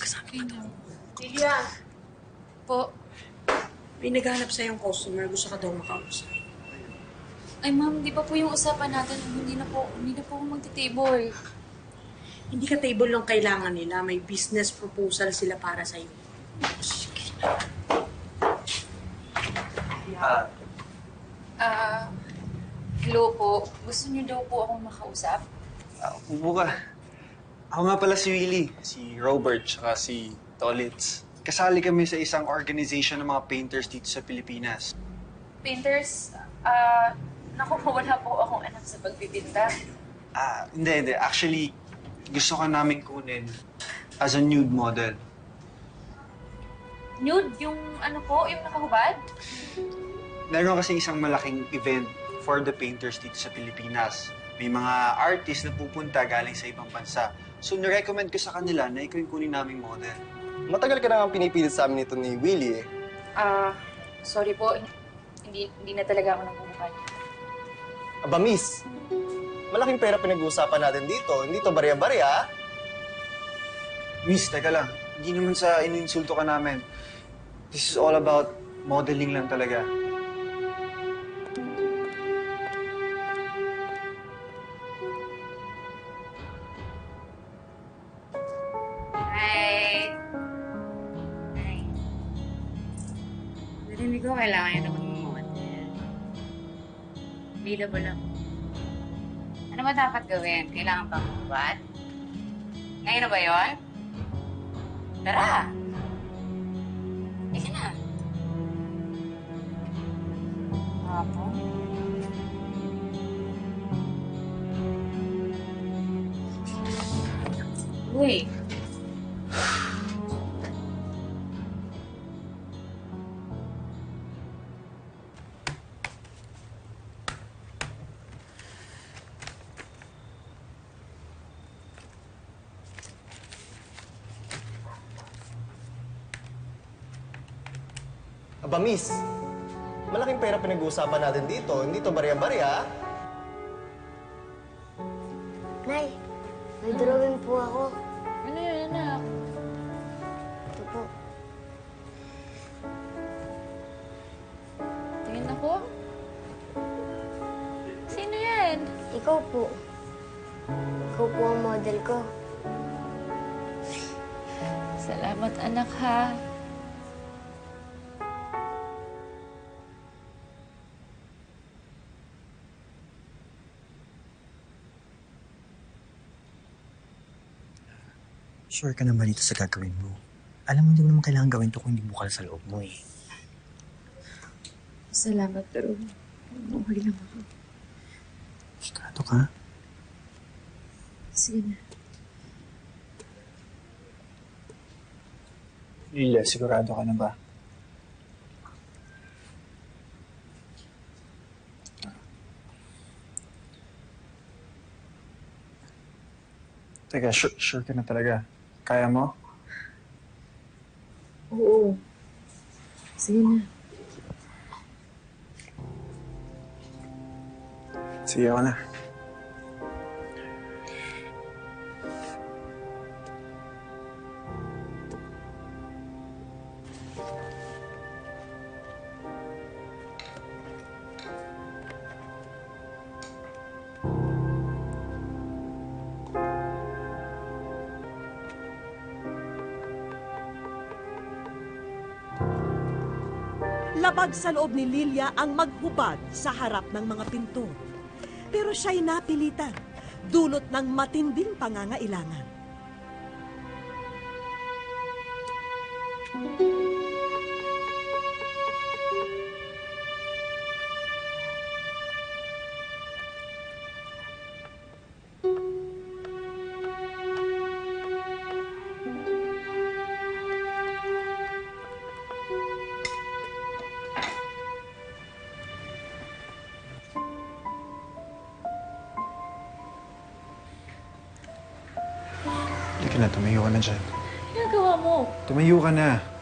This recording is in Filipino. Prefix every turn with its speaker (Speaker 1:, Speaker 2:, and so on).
Speaker 1: Okay na.
Speaker 2: Lilia,
Speaker 1: Po.
Speaker 2: may naghanap sa'yong customer. Gusto ka daw makausap.
Speaker 1: Ay, ma'am, di ba po yung usapan natin? Hindi na po ako magti-table.
Speaker 2: Hindi ka table lang kailangan nila. May business proposal sila para sa'yo.
Speaker 1: Hello po. Gusto niyo daw po akong makausap?
Speaker 3: Upo ka. Ako nga pala si Willie, si Robert, tsaka si Tolitz. Kasali kami sa isang organization ng mga painters dito sa Pilipinas.
Speaker 1: Painters, naku po, wala po akong anak sa pagpipinta.
Speaker 3: Hindi. Actually, gusto ka namin kunin as a nude model.
Speaker 1: Nude? Yung ano po? Yung nakahubad?
Speaker 3: Meron kasi isang malaking event for the painters dito sa Pilipinas. May mga artists na pupunta galing sa ibang bansa. So, nirecommend ko sa kanila na ikaw yung kunin naming model.
Speaker 4: Matagal ka na nga pinipilit sa amin ito ni Willie eh.
Speaker 1: Sorry po. Hindi na talaga ako nagbubukan.
Speaker 4: Aba, miss. Malaking pera pinag-uusapan natin dito. Hindi to barya-barya.
Speaker 3: Miss, teka lang. Hindi naman sa ininsulto ka namin. This is all about modeling lang talaga.
Speaker 5: Hi! Hi. Narinig ko kailangan niya naman mag-model. Available ako. Ano ba dapat gawin? Kailangan bang magbuhat? Ngayon na ba yun? Tara! Ika na. Apo? Uy!
Speaker 4: Aba, miss. Malaking pera pinag-uusapan natin dito. Hindi to barya-barya.
Speaker 6: Nay, may drawing po ako.
Speaker 1: Ano yun, anak?
Speaker 6: Ito po.
Speaker 1: Tingin ako. Sino yan?
Speaker 6: Ikaw po. Ikaw po ang model ko.
Speaker 1: Salamat, anak, ha.
Speaker 7: Sure ka naman dito sa gagawin mo. Alam mo, hindi mo naman kailangan gawin to kung hindi bukal sa loob mo eh.
Speaker 1: Salamat, pero okay lang ako.
Speaker 7: Sigurado ka?
Speaker 1: Sige na.
Speaker 3: Lilia, sigurado ka na ba? Teka, sure ka na talaga? Kaya mo?
Speaker 1: Oo. Sige na.
Speaker 3: Sige ako na.
Speaker 8: Labag sa loob ni Lilia ang maghubad sa harap ng mga pintor. Pero siya'y napilitan, dulot ng matinding pangangailangan.
Speaker 3: Halika na, tumayo ka na dyan.
Speaker 1: Ginagawa mo?
Speaker 3: Tumayo ka na.